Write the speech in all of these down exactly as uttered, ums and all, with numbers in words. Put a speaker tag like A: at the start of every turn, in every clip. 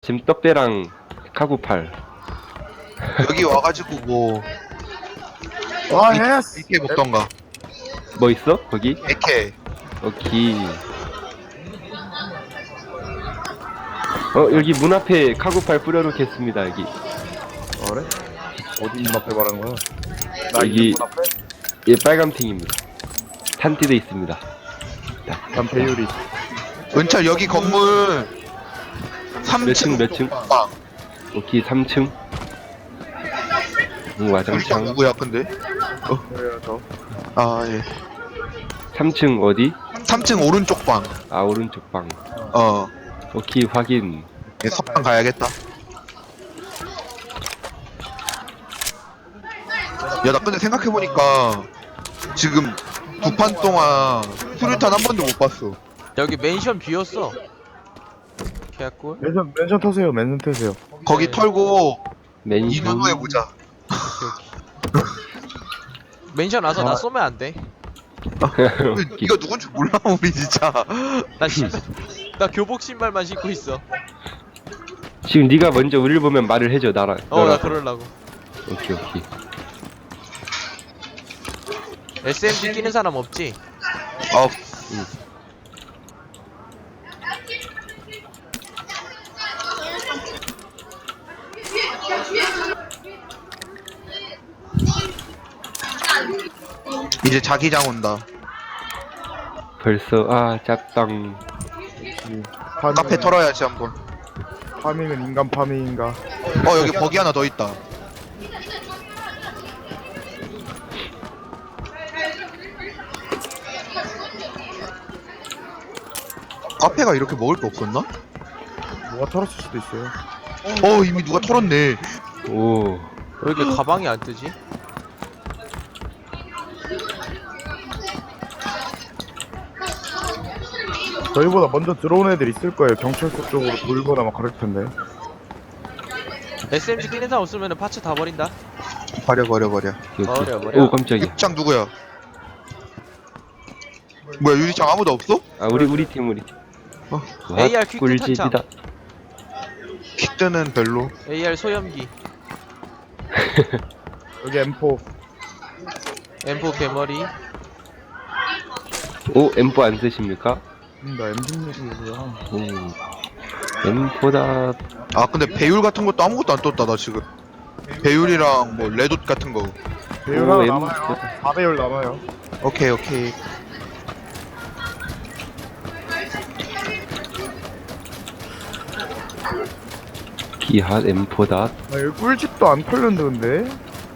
A: 지금 떡배랑 카구팔.
B: 여기 와가지고 뭐
C: 와 예스.
B: 이렇게 먹던가.
A: 뭐 있어? 거기?
B: 이렇게.
A: 오케이. 어, 여기 문 앞에 카구팔 뿌려놓겠습니다, 여기.
C: 어, 그래? 어디 문 앞에 말하는 거야? 나
A: 여기-
C: 있는 문 앞에?
A: 예, 빨간팅입니다. 탄티도 있습니다.
C: 난 배율이.
B: 은철 여기 건물
A: 몇 층,
B: 삼 층
A: 몇 층?
B: 빵.
A: 오케이, 삼 층. 응,
B: 유리창
A: 와장창.
B: 누구야 근데?
C: 그래요 저.
B: 아 예.
A: 삼 층 어디?
B: 삼 층 오른쪽 방.
A: 아, 오른쪽 방.
B: 어.
A: 오케이, 확인.
B: 예, 석방 가야겠다. 야, 나 근데 생각해보니까 지금 두 판 동안 수류탄 한 번도 못 봤어.
D: 여기 맨션 비었어. 개꿀.
C: 맨션 맨션 터세요. 맨션 터세요.
B: 거기
D: 네.
B: 털고 이
A: 맨션.
B: 년 후에 보자.
D: 맨션 와서 나
C: 아.
D: 쏘면 안 돼.
B: 이거 누군지 몰라 우리 진짜.
D: 나 신발, 나 교복 신발만 신고 있어.
A: 지금 네가 먼저 우리를 보면 말을 해줘, 나랑.
D: 어, 나
A: 너랑.
D: 그러려고.
A: 오케이, 오케이.
D: 에스엠지 끼는 사람 없지?
B: 어. 이제 자기장 온다.
A: 벌써, 아, 짭당.
C: 파밍은-
B: 카페 털어야지 한번.
C: 파밍은 인간 파밍인가?
B: 어 여기 버기 하나 더 있다. 카페가 이렇게 먹을 게 없었나?
C: 뭐가 털었을 수도 있어요.
B: 어 이미 누가 털었네.
A: 오.
D: 왜 이렇게 가방이 안 뜨지?
C: 저희보다 먼저 들어온 애들 있을 거예요. 경찰서 쪽으로 돌거나 막 그럴 텐데.
D: 에스엠지 끼는 사람 없으면 파츠 다 버린다.
B: 버려 버려 버려.
A: 오케이, 오케이.
D: 버려, 버려.
A: 오, 깜짝이야.
B: 유리창 누구야? 뭐야 유리창 아무도 없어?
A: 아, 우리, 우리 팀, 우리 팀.
B: 어.
A: 와,
D: 에이알 퀵
A: 꿀집이다.
B: 킥드는 별로.
D: 에이알 소염기,
C: 여기 엠포.
D: 엠포 개머리.
A: 오, 엠포 안 쓰십니까?
C: 음, 나 엠십육이구나.
A: 오. 엠포다.
B: 아 근데 배율 같은 것도 아무것도 안 떴다 나 지금. 배율이랑 뭐 레돗 같은 거.
C: 배율
A: 오,
C: 하나
A: 엠-
C: 남아요. 사 배율 남아요.
B: 오케이 오케이.
A: 기핫 엠포다.
C: 아, 여기 꿀집도 안 털렸는데.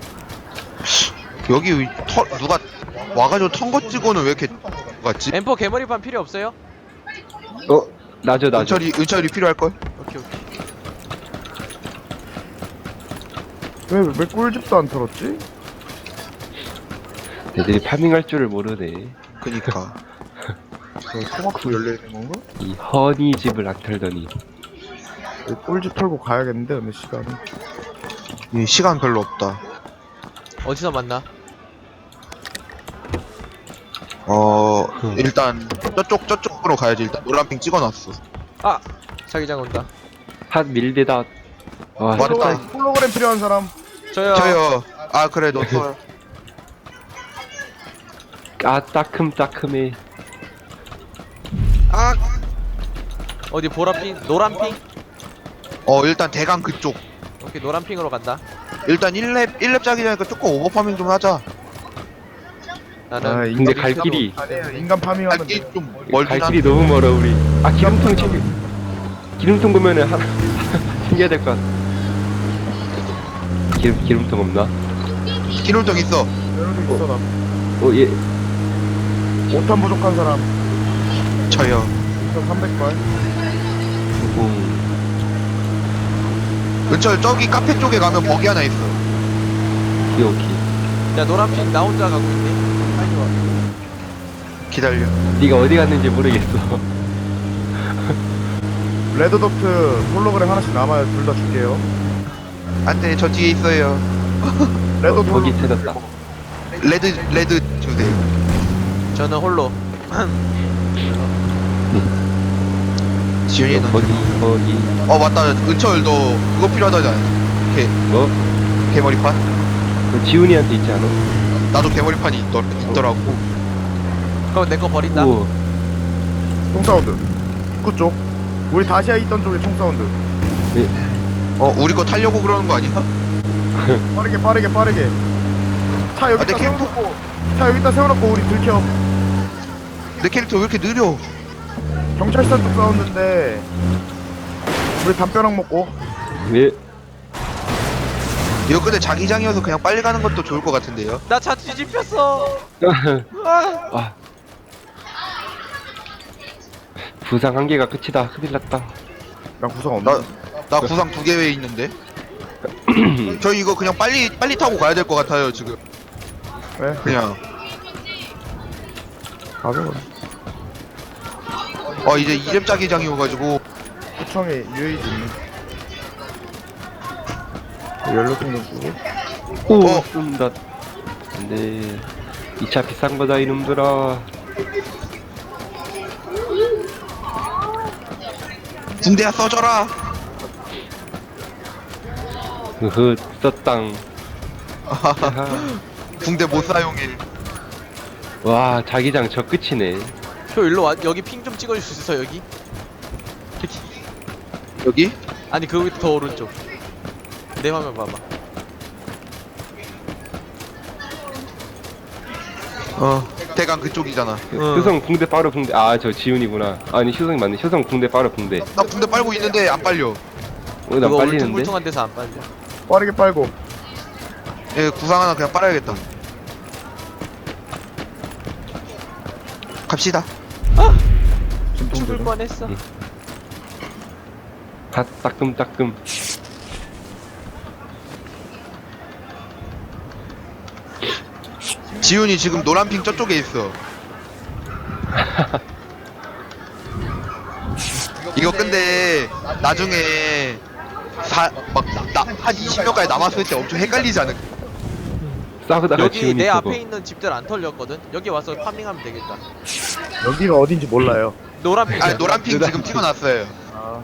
B: 여기 터, 누가 와가지고 턴 거 찍고는 왜 이렇게 갔지?
D: 엠포 개머리판 필요 없어요?
A: 어, 나죠, 나죠.
B: 은철이 은철이 필요할 걸?
D: 오케이 오케이.
C: 왜, 왜 꿀집도 안 털었지?
A: 애들이 파밍할 줄을 모르네.
B: 그니까.
C: 저 토마토 열려있는 건가?
A: 이 허니 집을 안 털더니.
C: 여기 꿀집 털고 가야겠는데, 근데 시간이.
B: 이 시간 별로 없다.
D: 어디서 만나?
B: 어 일단 저쪽 저쪽으로 가야지. 일단 노란핑 찍어놨어.
D: 아! 자기장 온다.
A: 핫 밀대다. 와,
B: 맞다.
C: 홀로그램, 홀로그램 필요한 사람.
D: 저요.
B: 저요. 아 그래 너 써.
A: 아, 따끔따끔해.
B: 아.
D: 어디 보라핑? 노란핑?
B: 어 일단 대강 그쪽.
D: 오케이 노란핑으로 간다.
B: 일단 일 렙 일 렙 짜기 전에 조금 오버파밍 좀 하자.
D: 나는
C: 아,
A: 근데
C: 인간
A: 갈
D: 밑에도-
A: 길이,
C: 아니에요, 인간 파밍하면
B: 갈길
C: 돼.
B: 좀 멀긴
A: 갈 길이
B: 한데.
A: 너무 멀어, 우리. 아, 기름통 챙겨. 기름통 보면은 하나 챙겨야 될 것 같아. 기름, 기름통 없나?
B: 기름통 있어.
C: 여기 있어, 나.
A: 어, 예.
C: 오 탄 부족한 사람.
B: 저요.
C: 일단 삼백 발.
A: 오.
B: 은철 저기 카페 쪽에 가면 버기 하나 있어.
A: 오케이, 오케이.
D: 야 노란핑 나 혼자 가고 있네. 빨리 와.
B: 기다려.
A: 네가 어디 갔는지 모르겠어.
C: 레드덕트 홀로그램 하나씩 남아요. 둘 다 줄게요.
B: 안돼 저 뒤에 있어요.
C: 레드
A: 어, 거기 찾았다.
B: 레드 레드 주세요.
D: 저는 홀로.
B: 지훈이는
A: 거기 거기
B: 어 맞다 은철 너 그거 필요하다잖아. 개
A: 뭐?
B: 개머리판?
A: 그 지훈이한테 있지 않아?
B: 나도 개머리판이 있더, 있더라고.
D: 그럼 내 거 버린다.
A: 우와.
C: 총사운드 입구 쪽 우리 다시아 있던 쪽에 총사운드.
B: 어 우리 거 타려고 그러는 거 아니야?
C: 빠르게 빠르게 빠르게 차
B: 아,
C: 여기다
B: 내 캐릭터-
C: 세워놓고 차 여기다 세워놓고 우리 들켜.
B: 내 캐릭터 왜 이렇게 느려?
C: 경찰서 쪽 사운드인데 우리 담벼락 먹고.
A: 네.
B: 이거 근데 자기장이어서 그냥 빨리 가는 것도 좋을 것 같은데요.
D: 나 차 뒤집혔어. 아,
A: 아. 부상 한 개가 끝이다. 큰일 났다.
C: 나 구성 없나?
B: 나 나 구상 두 개 왜 있는데? 저희 이거 그냥 빨리 빨리 타고 가야 될 것 같아요 지금.
C: 네
B: 그냥
C: 가자.
B: 어 이제 이렙 자기장이어가지고
C: 구청에 유에이지 있네. 연료통 좀 주고.
A: 오,
B: 어.
A: 쏜다. 안돼. 이 차 비싼 거다 이놈들아.
B: 군대야 써줘라.
A: 흐흐, 썼당.
B: 군대 못 사용해.
A: 와, 자기장 저 끝이네.
D: 표 일로 와. 여기 핑 좀 찍어줄 수 있어 여기? 여기.
B: 여기?
D: 아니 그거 더 오른쪽. 내 화면 봐봐.
B: 어 대강 그쪽이잖아.
A: 그
D: 어.
A: 효성 붕대 빠르 붕대. 아, 저 지훈이구나. 아니, 효성이 맞네. 효성 붕대 빠르 붕대.
B: 나 군대 빨고 있는데 안 빨려.
A: 어, 나
D: 그거
A: 빨리는데?
D: 울퉁불퉁한 데서 안 빨려.
C: 빠르게 빨고.
B: 예 구상 하나 그냥 빨아야겠다. 갑시다.
D: 죽을 뻔했어.
A: 응. 다 따끔따끔.
B: 지훈이 지금 노란핑 저쪽에 있어. 이거 근데 나중에 막나한 이십 명까지 남았을 때 엄청 헷갈리지 않을까?
A: 싸우다가
D: 여기
A: 지훈이
D: 내
A: 저거.
D: 앞에 있는 집들 안 털렸거든. 여기 와서 파밍하면 되겠다.
C: 여기가 어딘지 몰라요.
D: 노란 핑.
B: 아니 노란핑 지금 찍어놨어요.
C: 아.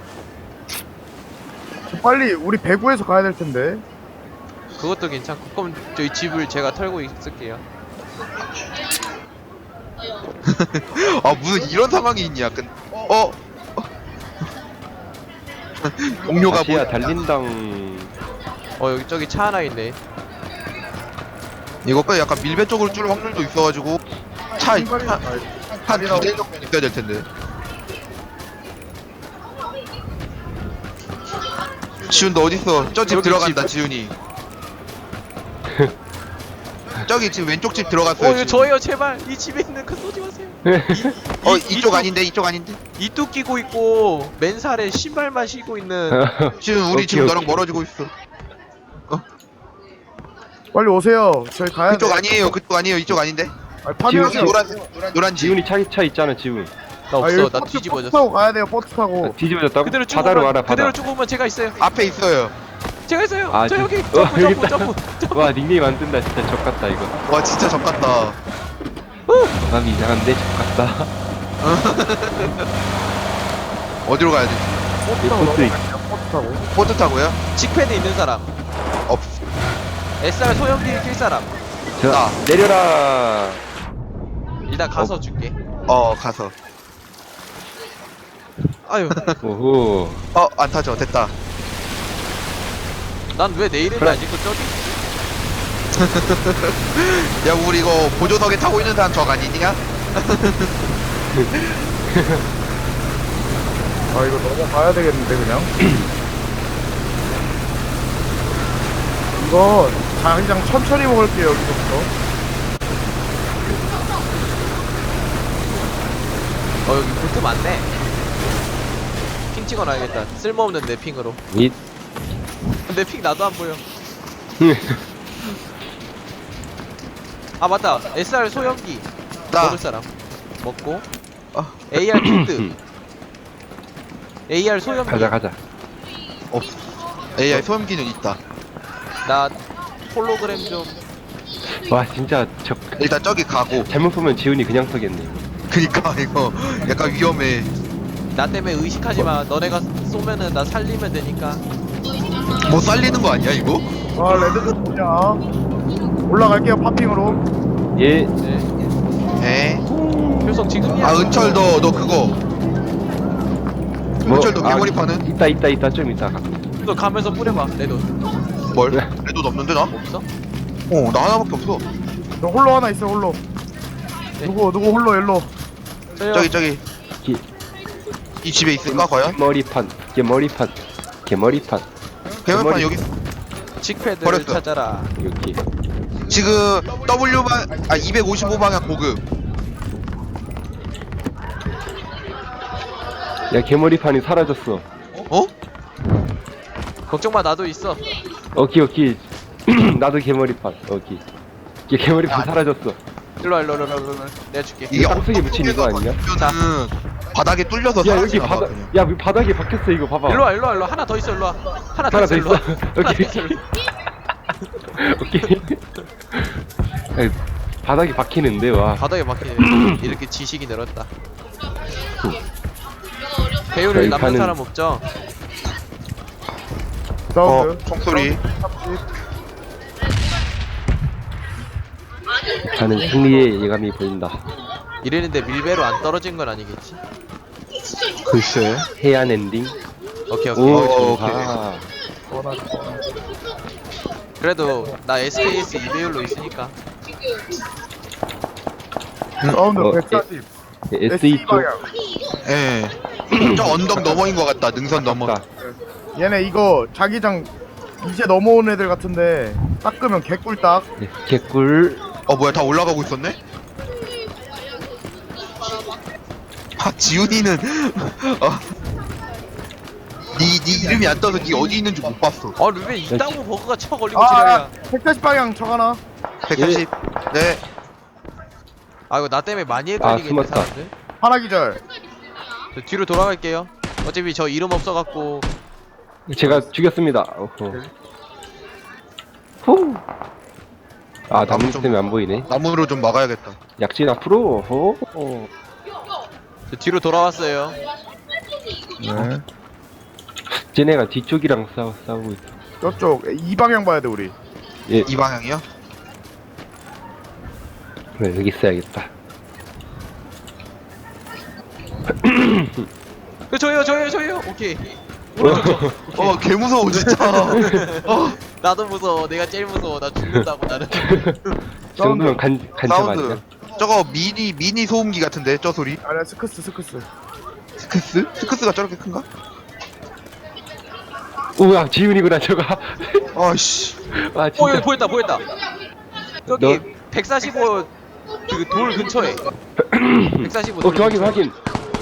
C: 저 빨리 우리 배구에서 가야 될 텐데.
D: 그것도 괜찮고. 그럼 저희 집을 제가 털고 있을게요.
B: 아 무슨 이런 상황이 있냐? 근 어? 어? 동료가
A: 다시야
B: 뭐?
A: 달린당.
D: 어 여기 저기 차 하나 있네.
B: 이거 그 약간 밀배 쪽으로 줄 확률도 있어가지고 차한두 대 정도 있어야 될 텐데. 지훈 너 어딨어? 저 집
D: 여기
B: 들어간다
D: 집.
B: 지훈이. 저기 지금 왼쪽 집
D: 어
B: 들어갔어요.
D: 이거
B: 지금.
D: 저예요 제발. 이 집에 있는 거 쏘지 마세요.
B: 어
D: 이-
B: 이쪽
D: 이쪽-
B: 아닌데 이쪽 아닌데.
D: 이뚝 끼고 있고 맨살에 신발만 신고 있는.
B: 지금 우리
A: 오케이,
B: 지금 너랑
A: 오케이.
B: 멀어지고 있어.
C: 빨리 오세요. 저희 가야 돼.
B: 그쪽 아니에요. 그쪽 아니에요. 이쪽 아닌데.
C: 아니, 파밍하세요.
B: 노란 노란 집.
A: 지훈이 차, 차 있잖아, 지훈.
D: 나
C: 아,
D: 없어.
C: 여기
D: 나
C: 버스, 버스
D: 뒤집어졌어.
C: 타고 가야 돼요. 버스 타고.
A: 아, 뒤집어졌다고?
D: 그대로 쭉
A: 바다로
D: 오면
A: 와라, 바다.
D: 그대로 쭉 오면 제가 있어요.
B: 앞에 있어요.
D: 제가 있어요.
A: 아,
D: 저
A: 지-
D: 여기
A: 어,
D: 점프
A: 여기
D: 점프
A: 있다.
D: 점프 점프.
A: 와, 닉네임 안 뜬다. 진짜 적같다, 이거.
B: 와 진짜 적같다.
A: 마음이 이상한데? 적같다.
B: 어디로 가야 돼?
C: 버스
A: 이
C: 타고
A: 버스 있-
C: 넘어가요. 버스 타고.
B: 보트 타고요?
D: 칙패드 있는 사람.
B: 없.
D: 에스알 소형기 낄 사람.
A: 자,
B: 나.
A: 내려라.
D: 일단 가서 줄게.
B: 어 가서.
D: 아유,
A: 오호.
B: 어 안 타죠. 됐다.
D: 난 왜 내 이름이
A: 그래.
D: 안 찍고 저기 있지?
B: 야 우리 이거 보조석에 타고 있는 사람 적 아니냐?
C: 아 이거 넘어가야 되겠는데 그냥. 이거 자기장 천천히 먹을게요 여기서부터.
D: 어 여기 볼트 많네. 핑 찍어놔야겠다. 쓸모없는 내 핑으로.
A: 이,
D: 내 핑 나도 안 보여. 아 맞다. 에스알 소형기
B: 나
D: 먹을 사람 먹고.
B: 아.
D: 에이알 킬드. 에이알 소형기.
A: 가자, 가자.
B: 없. 에이아이 소음기는 있다.
D: 나 홀로그램 좀.
A: 와, 진짜 적.
B: 일단 저기 가고.
A: 잘못 보면 지훈이 그냥 서겠네.
B: 그니까 이거 약간 위험해.
D: 나 때문에 의식하지 마. 너네가 쏘면은 나 살리면 되니까.
B: 뭐 살리는 거 아니야 이거?
C: 아 레드 좀 보자. 올라갈게요 파핑으로.
A: 예.
D: 네.
B: 에?
D: 효성 지금이야.
B: 아 은철 너 너 그거
A: 뭐,
B: 은철 너
A: 아,
B: 개머리파는?
A: 있다 있다 있다 좀 있다.
D: 너 가면서 뿌려봐. 내 돈.
B: 뭘?
A: 네.
B: 레도 없는데 나?
D: 없어?
B: 어 나 하나밖에 없어.
C: 너 홀로 하나 있어 홀로.
D: 네.
C: 누구 누구 홀로 일로.
D: 저요.
B: 저기 저기
A: 기,
B: 이 집에 있을까 과연?
A: 머리판. 개머리판. 개머리판.
B: 개머리판
A: 개머리.
B: 여기
D: 칙패드를
B: 버렸어.
D: 찾아라.
A: 여기.
B: 지금 W 방, 아 이백오십오 방향 고급.
A: 야 개머리판이 사라졌어.
B: 어?
D: 걱정 마. 나도 있어.
A: 오케이 오케이. 나도 개머리판. 오케이. 얘 개머리판
B: 야,
A: 사라졌어.
D: 일로 와 일로 와 일로 와, 일로 와. 내가 줄게.
B: 이게
A: 땅속에
B: 어떤
A: 묻힌 이거 아니냐?
B: 는 바닥에 뚫려서
A: 야 여기
B: 사라지나 봐,
A: 바닥.
B: 그냥.
A: 야 여기 바닥에 박혔어 이거 봐봐.
D: 일로 와 일로 와 일로 와. 하나 더 있어 일로 와. 하나 더
A: 하나
D: 있어
A: 더
D: 일로 와.
A: 있어?
D: 하나 더
A: 오케이.
D: 있어 일로 와.
A: 오케이. 아니, 바닥에 박히는데 와.
D: 바닥에 막히네. 이렇게 지식이 늘었다. 배율을
A: 저희
D: 남는
A: 가는-
D: 사람 없죠?
C: 사운드.
B: 어 총소리.
A: 가는 승리의 예감이 보인다.
D: 이랬는데 밀배로 안 떨어진 건 아니겠지?
B: 글쎄.
A: 해안 엔딩.
D: 오케이 오케이.
A: 오,
B: 어,
A: 좋다.
D: 그래도 나 에스케이에스 이 배율로 있으니까.
C: 사운드
A: 어,
C: 백사십.
A: 에스이 쪽.
C: 방향.
B: 예. 저 언덕 너머인 것 같다. 능선 너머.
A: 맞다.
C: 얘네 이거 자기장 이제 넘어온 애들 같은데 닦으면 개꿀딱.
A: 네, 개꿀.
B: 어 뭐야 다 올라가고 있었네? 아 지훈이는 어. 니, 니 이름이 안 떠서 니 어디 있는지 못 봤어.
D: 아 루벤 이따구 버그가 쳐 걸리고
C: 아,
D: 지랄이야.
C: 백사십 방향 적 하나.
B: 백사십. 네.
D: 아 이거 나 때문에 많이
A: 아,
D: 헷갈리겠네
A: 숨었다.
D: 사람들.
C: 하나 기절.
D: 저 뒤로 돌아갈게요. 어차피 저 이름 없어갖고.
A: 제가 죽였습니다. 어허. 후. 아 나무
B: 나무 좀-
A: 때문에 안 보이네.
B: 나무로 좀 막아야겠다.
A: 약진 앞으로. 어허. 어.
D: 저 뒤로 돌아왔어요.
C: 네.
A: 쟤네가 뒤쪽이랑 싸우, 싸우고 있어.
C: 저쪽 이 방향 봐야 돼 우리.
A: 예,
B: 이 방향이요?
A: 네, 여기 있어야겠다.
D: 그 저요 저요 저요. 오케이.
B: 어 개 무서워 진짜. 어
D: 나도 무서워. 내가 제일 무서워. 나 죽는다고 나는.
A: 이 정도면 간, 간첩 아니야?
B: 사운드. 저거 미니 미니 소음기 같은데 저 소리.
C: 아니야 스크스 스크스.
B: 스크스? 스크스가 저렇게 큰가?
A: 우와, 지훈이구나, 저거.
B: 아씨.
A: 아,
D: 어
A: 진짜.
D: 여기 보였다 보였다. 여기
A: 너-
D: 백사십오 그 돌 근처에. 백사십오.
A: 오케이, 확인, 확인.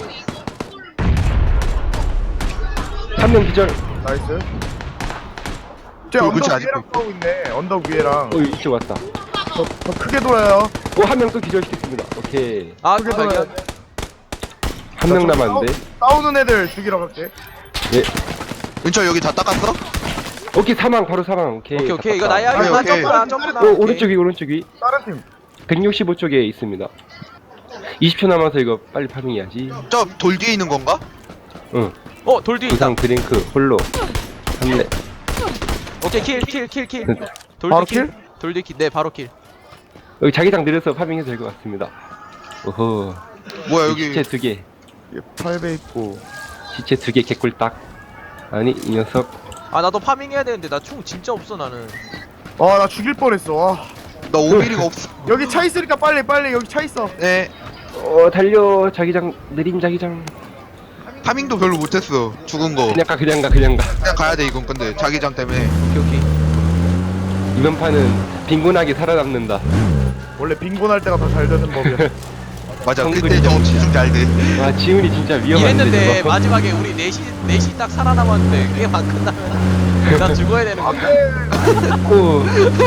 A: 한 명 기절.
C: 나이스. 쟤
B: 그 근처에
C: 언덕
B: 아직도
C: 위에랑 싸우고 있네. 언덕 위에랑.
A: 어, 이쪽 왔다.
C: 더, 더 크게 돌아요.
A: 어, 한 명 또 기절시켰습니다. 오케이.
D: 아
C: 크게
D: 그거
C: 돌아야
D: 발견.
C: 돼.
A: 한 명 남았는데.
C: 싸우는 애들 죽이러 갈게.
A: 예.
B: 은철 여기 다 닦았어?
A: 오케이, 사망, 바로 사망. 오케이.
D: 오케이 오케이 이거
A: 잡았다.
D: 나야.
B: 아니,
D: 이거 나
B: 오케이.
D: 점프나 점프나.
A: 어, 오른쪽 위, 오른쪽 위.
C: 다른 팀.
A: 백육십오 쪽에 있습니다. 이십 초 남아서 이거 빨리 파밍해야지.
B: 저 돌 뒤에 있는 건가?
A: 응.
D: 어 돌 뒤에 있다.
A: 부상 드링크, 홀로. 삼레.
D: 오케이 킬 킬 킬 킬. 돌
C: 바로
D: 뒤 킬?
C: 킬?
D: 돌 뒤 킬. 네 바로 킬.
A: 여기 자기장 내려서 파밍해도 될 것 같습니다. 오호.
B: 뭐야 여기
A: 시체 두 개.
C: 팔 배 있고.
A: 시체 두 개 개꿀딱. 아니, 이 녀석.
D: 아 나도 파밍 해야 되는데 나 총 진짜 없어 나는.
C: 아 나 죽일 뻔했어. 와.
B: 나 오 밀리가 없어.
C: 여기 차 있으니까 빨리 빨리 여기 차 있어.
B: 네.
A: 어, 달려. 자기장, 느린 자기장.
B: 파밍도 별로 못했어. 죽은 거.
A: 그냥 가, 그냥 가, 그냥 가.
B: 그냥 가야 돼 이건 근데 자기장 때문에.
D: 오케이 오케이.
A: 이번 판은 빈곤하게 살아남는다.
C: 원래 빈곤할 때가 더 잘 되는 법이야.
B: 맞아.
A: 성근이
B: 그때 좀 집중 잘 돼.
A: 와, 지훈이 진짜 위험한데.
D: 이랬는데
A: 저거.
D: 마지막에 우리 넷이 넷이 딱 살아남았는데 그게 막 끝나면 나 죽어야 되는 거야.
A: 오,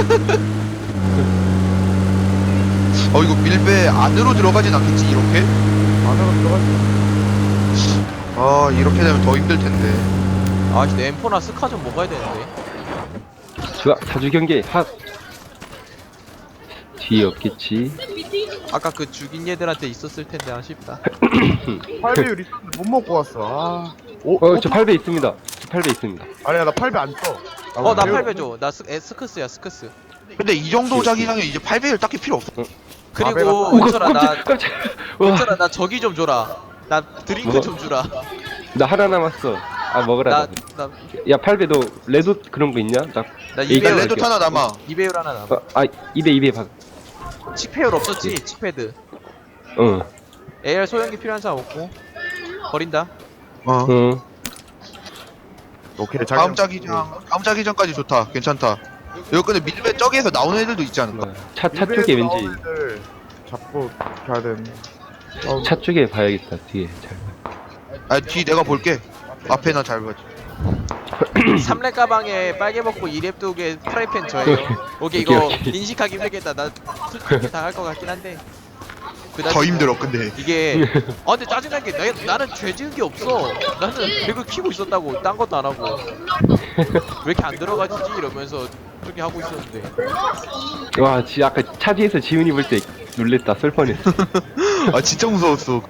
B: 어 이거 밀배 안으로 들어가진 않겠지 이렇게?
C: 안으로 들어갔어.
B: 아 이렇게 되면 더 힘들 텐데.
D: 아 진짜 엠포나 스카 좀 먹어야 되는데.
A: 좋아. 사주 경계, 핫. 뒤에 없겠지.
D: 아까 그 죽인 얘들한테 있었을 텐데 아쉽다.
C: 팔 배율 있었는데 못 먹고 왔어. 아. 오,
A: 어,
C: 오,
A: 저 팔 배 있습니다. 저 팔 배 있습니다.
C: 아니야 나 팔 배 안 써.
D: 어 나
C: 배율
D: 팔 배 줘. 나 스, 에, 스크스야 스크스.
B: 근데 이 정도 자기장에 이제 팔 배율 딱히 필요 없어.
D: 그리고
C: 배가-
D: 은철아 나
A: 깜짝, 깜짝. 와,
D: 은철아 나 저기 좀 줘라. 나 드링크
A: 뭐?
D: 좀 주라.
A: 나 하나 남았어. 아, 먹으라.
D: 나
A: 나,
D: 나
A: 야, 팔 배도 레드 그런 거 있냐? 나,
D: 나
A: 이게
B: 나
D: 이배율
B: 레드 하나 남아.
D: 이배율 하나 남아.
A: 어, 아, 입에, 입에 박.
D: 칙패율 없었지 칙패드.
A: 어,
D: 에이알 소형기 필요한 사람 없고 버린다.
B: 어.
A: 어.
C: 오케이
B: 다음
C: 자기
B: 자기장, 다음 자기장까지 좋다. 괜찮다. 이거 근데 밀배 저기에서 나오는 애들도 있지 않을까?
A: 차, 차 쪽에 왠지,
C: 잡고 가야 되는.
A: 차 쪽에 봐야겠다, 뒤에. 잘.
B: 아, 뒤 내가 볼게. 앞에나 잘 봐.
D: 삼 렙 가방에 빨개 먹고 이 렙 두개 프라이팬 저예요. 오케이 이거
A: 오케이, 오케이.
D: 인식하기 힘들겠다. 나 솔직히 다 할 것 같긴 한데. 그다지
B: 더 힘들어, 근데.
D: 이게 아 근데 짜증난 게 나, 나는 죄 지은 게 없어. 나는 배그 키고 있었다고 딴 것도 안 하고 왜 이렇게 안 들어가지지 이러면서 저기 하고 있었는데
A: 와, 지, 아까 차 뒤에서 지훈이 볼 때 놀랬다, 쏠 뻔했어.
B: 아, 진짜 무서웠어.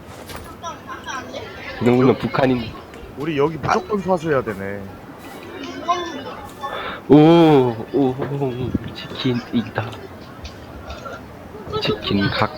A: 그 정도면 북한인.
C: 우리 여기 무조건 사수해야 되네.
A: 오, 오, 치킨이다. 치킨 각.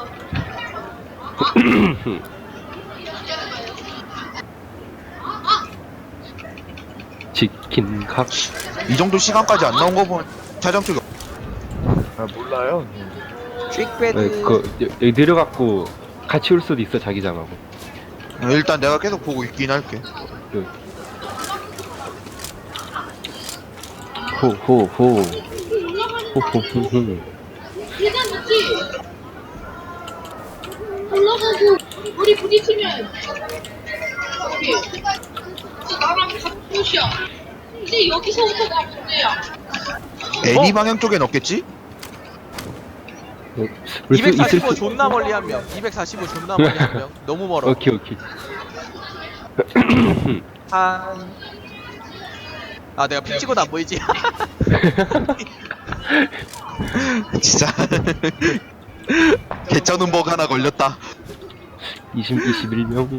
A: 치킨 각.
B: 이 정도 시간까지 안 나온 거 보면 자장 쪽이
C: 아 몰라요.
D: 퀵배드
A: 네, 그 여- 여기 내려갖고 같이 올 수도 있어, 자기장하고.
B: 없- 일단 내가 계속 보고 있긴 할게.
A: 그. 호호호. 호호호호.
E: 계단 있지? 올라가고 우리 부딪히면 여기 이제 나랑 같은 곳이야. 이제 여기서부터가 문제야.
B: 애니 방향 쪽엔 없겠지?
A: 올 수 있을
D: 이백사십오
A: 수.
D: 존나 멀리 한 명. 이백사십오 존나 멀리 한 명. 너무 멀어.
A: 오케이 오케이.
D: 한... 아 내가 픽 찍어도 안 보이지?
B: 진짜. 개쩌는 버그 하나 걸렸다.
A: 이십 이십일 명.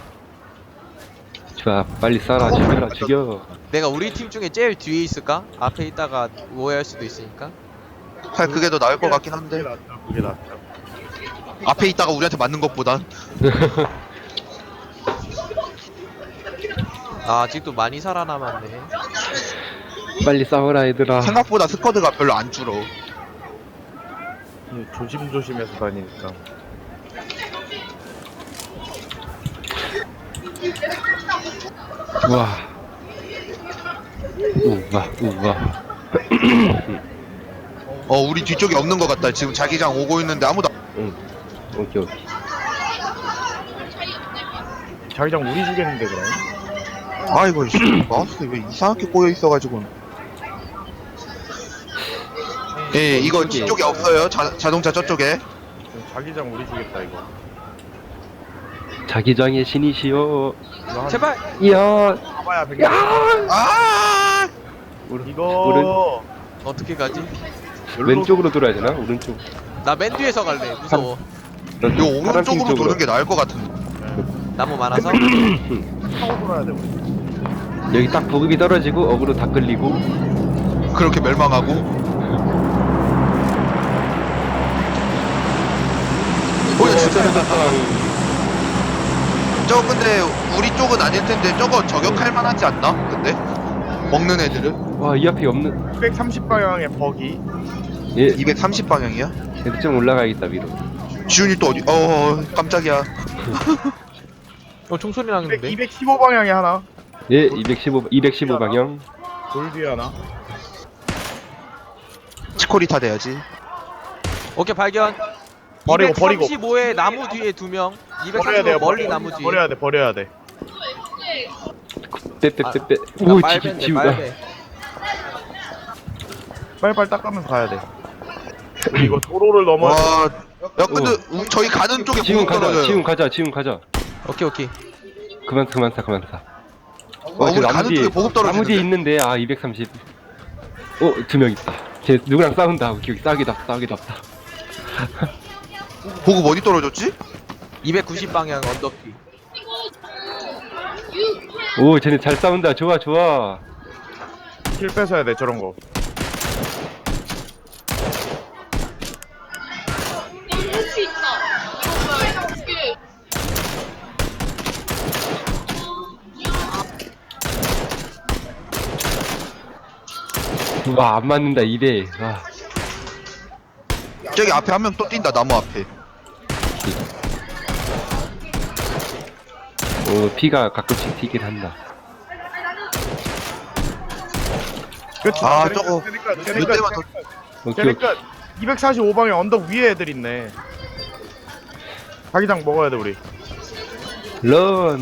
A: 좋아, 빨리 쏴라, 죽여라, 죽여.
D: 내가 우리 팀 중에 제일 뒤에 있을까? 앞에 있다가 오해할 수도 있으니까.
B: 팔 그게 더 나을 것 같긴
C: 그게
B: 한데.
C: 낫다. 그게 낫다.
B: 앞에 있다가 우리한테 맞는 것보단.
D: 아 아직도 많이 살아남았네.
A: 빨리 싸워라, 얘들아.
B: 생각보다 스쿼드가 별로 안 줄어.
C: 예, 조심조심해서 다니니까.
A: 우와. 우와, 우와.
B: 어, 우리 뒤쪽에 없는 것 같다. 지금 자기장 오고 있는데 아무도.
A: 응. 오케이, 오케이.
C: 자기장 우리 주겠는데 그럼?
B: 아이고, 씨, 마우스 왜 이상하게 꼬여 있어가지고. 예, 이거 뒤쪽에 없어요. 자, 자동차 저쪽에.
C: 자기장 우리 주겠다 이거.
A: 자기장의 신이시여.
C: 이거 한-
D: 제발.
A: 이야.
C: 가봐야 백.
B: 아!
A: 오른,
C: 이거
D: 어떻게 가지?
A: 왼쪽으로 돌아야 되나? 오른쪽.
D: 나 맨 뒤에서 갈래. 무서워.
B: 이거 오른쪽으로 도는 게 나을 것 같은데.
D: 나무 많아서.
C: 타고 돌아야 돼 우리.
A: 여기 딱 보급이 떨어지고 어그로 다 끌리고.
B: 그렇게 멸망하고. 어, 진짜. 저거 근데 우리 쪽은 아닐 텐데 저거 저격할 만하지 않나? 근데 먹는 애들은
A: 와, 이 앞에 없는.
C: 이백삼십 방향의 버기.
A: 예,
B: 이백삼십 방향이야?
A: 얘들 좀 올라가야겠다, 위로.
B: 지훈이 또 어디? 어, 깜짝이야.
D: 어 총소리 나는데.
C: 이백십오 방향에 하나.
A: 예, 이백십오, 이백십오 방향.
C: 돌 뒤에 하나.
B: 치코리타 돼야지.
D: 오케이 발견.
C: 버리고, 버리고.
D: 이백삼십오에 나무 뒤에 두 명.
C: 버려야 돼요.
D: 이백삼십오 멀리
C: 버려야
D: 나무
C: 돼.
D: 뒤에.
C: 버려야 돼. 버려야 돼.
A: 빼빼빼빼.
D: 나
A: 오, 지,
D: 빨배인데,
A: 지우다.
D: 빨배.
C: 빨빨 닦으면서 가야 돼. 우리 이거 도로를 넘어.
B: 와, 야 근데 우- 저희 가는 쪽에
A: 지금
B: 보급
A: 가자,
B: 떨어져요.
A: 지금 가자, 지금 가자.
D: 오케이 오케이.
A: 그만, 그만 사, 그만 사.
B: 어, 우리 가는 쪽에 보급
A: 나무 뒤에
B: 떨어지는데.
A: 있는데, 아, 이백삼십. 어, 두 명 있다. 쟤 누구랑 싸운다. 기억 싸우기다 싸우기다 없다.
B: 보급 어디 떨어졌지?
D: 이백구십 방향 언덕기.
A: 오 쟤네 잘 싸운다. 좋아 좋아.
C: 킬 뺏어야 돼 저런 거.
E: 할수 있다. 이게
A: 와 안 맞는다 이 대. 와.
B: 저기 앞에 한 명 또 뛴다 나무 앞에.
A: 오 피가 가끔씩 튀긴 한다.
C: 그치?
B: 아,
C: 쟤네
B: 저거
C: 끝, 쟤네 끝, 쟤네
B: 몇
C: 끝,
B: 대만 더-
C: 쟤네 끝.
A: 오케이
C: 쟤네
A: 오케이.
C: 끝. 이백사십오 방에 언덕 위에 애들 있네. 자기장 먹어야 돼 우리.
A: 런.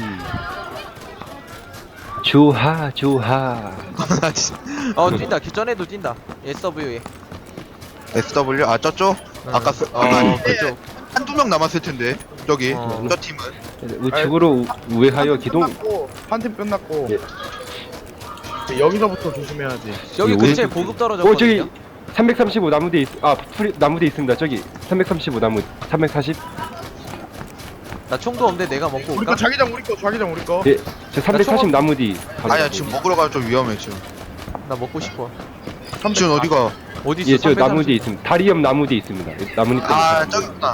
A: 좋아 좋아.
B: 나 진짜.
D: 어 뛴다. 기전에도 뛴다. 에스더블유에.
B: 에스더블유 아 저쪽? 아까 스-
D: 어
B: 아까
D: 그쪽.
B: 한두 명 남았을 텐데 저기
D: 어.
B: 저 팀은.
A: 우측으로 우- 우회하여 기동.
C: 한 팀 끝났고.
A: 예.
C: 이제 여기서부터 조심해야지.
D: 여기
A: 이
D: 근처에
A: 오른쪽-
D: 보급
A: 오
D: 떨어졌거든요.
A: 저기 삼백삼십오 나무대 있. 아 풀이 나무대 있습니다. 저기 삼백삼십오 나무. 삼백사십.
D: 나 총도 없는데 내가 먹고
C: 우리
D: 올까?
C: 거 자기장 우리 거 자기장 우리 거.
A: 예. 저 삼백사십
D: 총-
A: 나무 뒤. 바로
B: 아니야
A: 나무.
B: 지금 먹으러 가면 좀 위험해 지금.
D: 나 먹고 싶어.
B: 지금 어디가?
D: 어디 있어?
A: 예, 저 나무
D: 삼백삼십.
A: 뒤에 있습니다. 다리 옆 나무 뒤에 있습니다. 나무니까.
B: 아 저기 있구나.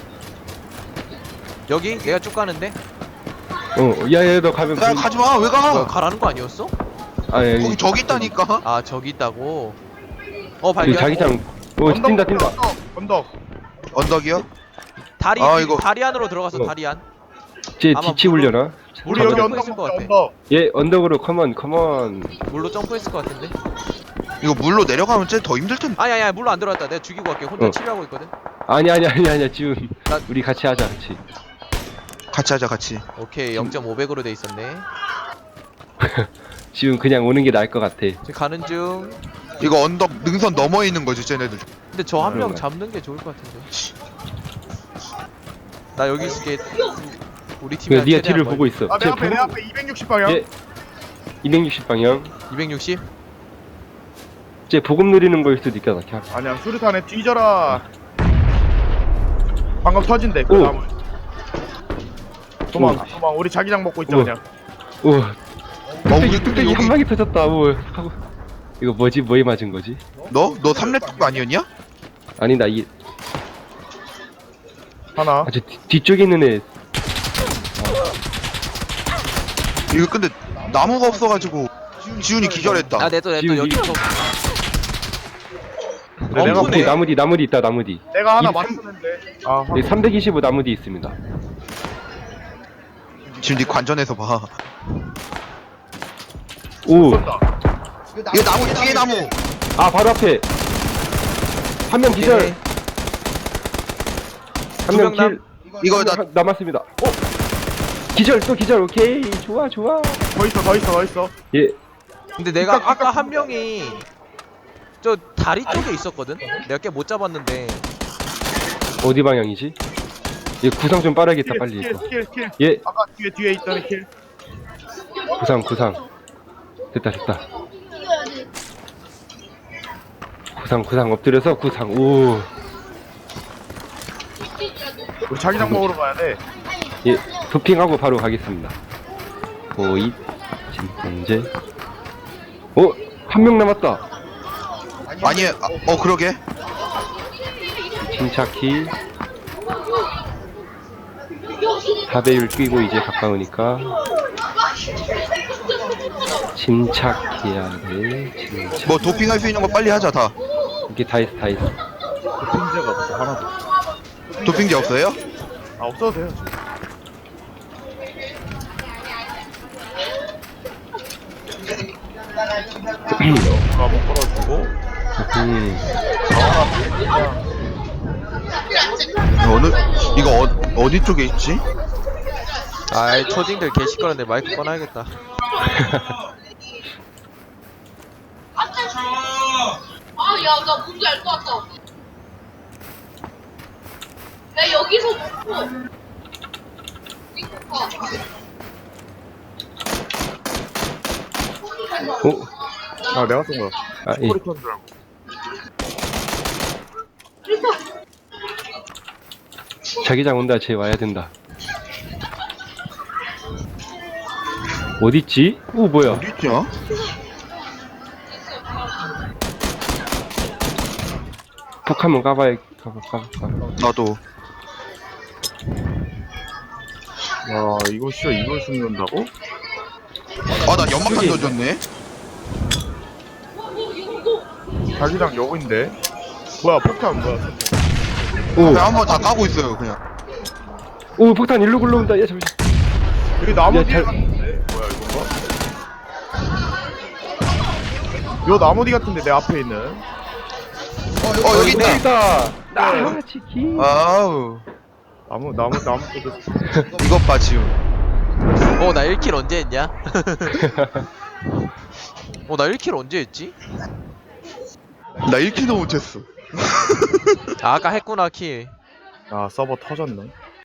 D: 여기 내가 쭉 가는데.
A: 어, 야야 너 가면.
B: 야
A: 그-
B: 가지마 왜
D: 뭐야
B: 가?
D: 가라는 거 아니었어?
A: 아, 예,
B: 거기 저기 있다니까.
D: 아 저기 있다고. 어
A: 그
D: 발견.
A: 자기장. 오
C: 언덕,
A: 뛴다 뛴다.
C: 언덕, 언덕.
B: 언덕이요?
D: 다리
B: 아, 이거-
D: 다리 안으로 들어가서
A: 어.
D: 다리 안.
A: 제
D: 아마
A: 뒤치
D: 물로-
A: 올려나?
C: 우리
D: 잠깐만.
C: 여기
D: 점프
C: 언덕
D: 있을 것
C: 먹자,
D: 같아.
C: 언덕.
A: 예 언덕으로 컴온 컴온.
D: 물로 점프했을 것 같은데.
B: 이거 물로 내려가면 쟤 더 힘들 텐데.
D: 아니 아니 아니 물로 안 들어왔다. 내가 죽이고 갈게. 혼자
A: 어.
D: 치료하고 있거든.
A: 아니 아니 아니 아니야 지금
D: 나-
A: 우리 같이 하자 같이.
B: 같이 하자 같이.
D: 오케이 영점오백으로 돼 있었네.
A: 지금 그냥 오는 게 나을 것 같아.
D: 지금 가는 중.
B: 이거 언덕 능선 넘어 있는 거지 쟤네들.
D: 근데 저 한 명
A: 그런가요?
D: 잡는 게 좋을 것 같은데. 나 여기 있을게. 우리 팀이
A: 그 니가 뒤를 보고 있어.
C: 아, 내
A: 쟤
C: 앞에 내
A: 보고-
C: 앞에 이백육십 방향.
A: 예. 이백육십 방향.
D: 이백육십.
A: 쟤 보급 누리는 거일 수도 있겠다. 그냥.
C: 아니야 수류탄에 뒤져라. 방금 터진대 그
A: 오.
C: 나무. 도망
A: 오.
C: 도망. 우리 자기장 먹고 있자
A: 우와.
C: 그냥.
A: 오.
B: 어,
A: 뚝배기
B: 우리
A: 뚝배기
B: 여기-
A: 한 방에 터졌다. 오. 하고. 이거 뭐지? 뭐에 맞은 거지?
B: 너? 너 삼렙 아니었냐?
A: 아니 나 이.
C: 하나.
A: 아저 뒤쪽에 있는 애.
B: 이거 근데 나무가 없어가지고 지훈이 기절했다.
D: 아 내도 내도
A: 지금
D: 여기부터.
C: 근데 내가
D: 엉구네.
A: 그 나무 뒤 나무 뒤 있다 나무 뒤.
C: 내가 하나
A: 이 삼-
C: 맞췄는데. 아
A: 네, 삼백이십오 나무 뒤 있습니다.
B: 지금 네 관전에서 봐.
A: 오.
C: 쏜다.
B: 이거 나무 뒤에 나무.
A: 아 바로 앞에 한 명 기절.
D: 오케이.
A: 한 명
D: 두명 남-
A: 킬.
B: 이거
A: 한
B: 나
A: 명 남았습니다. 어? 기절 또 기절. 오케이 좋아 좋아.
C: 더 있어 더 있어 더 있어.
A: 예.
D: 근데 내가
C: 아까-
D: 아까 한 명이 저 다리 쪽에 있었거든. 내가 꽤 못 잡았는데.
A: 어디 방향이지? 예 구상 좀 빨아야겠다
C: 킬,
A: 빨리
C: 킬,
A: 이거.
C: 킬, 킬.
A: 예
C: 아까 뒤에 뒤에 있던 킬.
A: 구상 구상. 됐다 됐다. 구상 구상 엎드려서 구상. 오.
C: 우리 자기장 먹으러 가야 돼.
A: 예 도핑하고 바로 가겠습니다. 오이 진통제. 어? 한 명 남았다.
B: 아니 아, 어 그러게.
A: 침착히 사배율 끼고 이제 가까우니까 침착해야 돼. 침착.
B: 뭐 도핑할 수 있는 거 빨리 하자 다.
A: 이게 다 있어 다 있어.
C: 도핑제가 없어 하나도.
B: 도핑제 없어요?
C: 아 없어도 돼요. 지금. 아, 못 걸어주고.
A: 음.
B: 어느 이거 어, 어디 쪽에 있지?
D: 아이 초딩들 개 시끄러운데 마이크 꺼놔야겠다.
E: 아, 야, 나 뭔지 알 것 같다. 나 여기서 먹고. 이거 봐.
A: 어?
C: 아 내가 쏜 거야.
A: 아 예.
C: 소리 턴 줄 알고.
A: 자기장 온다. 쟤 와야 된다. 어딨지? 오 뭐야?
B: 어디 있냐?
A: 폭 한번 까봐야 까봐 까봐 까봐.
B: 나도.
C: 야 이거 씨어 이걸 죽는다고?
B: 아, 나 연막탄
A: 저기.
B: 던졌네.
C: 자기장 여기인데. 뭐야 폭탄 뭐야?
A: 오,
B: 그냥 한번 다 까고 있어요, 그냥.
A: 오 폭탄 일로 굴러온다. 야 잠시.
C: 여기 나무
A: 야,
C: 뒤에
A: 잘-
C: 같은데. 뭐야 이건가? 요 나무 뒤 같은데 내 앞에 있는.
B: 어, 여기 있다.
A: 있다. 아 치킨.
B: 아우.
C: 나무 나무 나무 쪽에.
B: 이것 봐, 지훈.
D: 어 나 일 킬 언제 했냐? 어 나 일 킬 언제 했지?
B: 나 일 킬도 못했어.
D: 아, 아까 했구나 킬.
C: 아 서버 터졌네.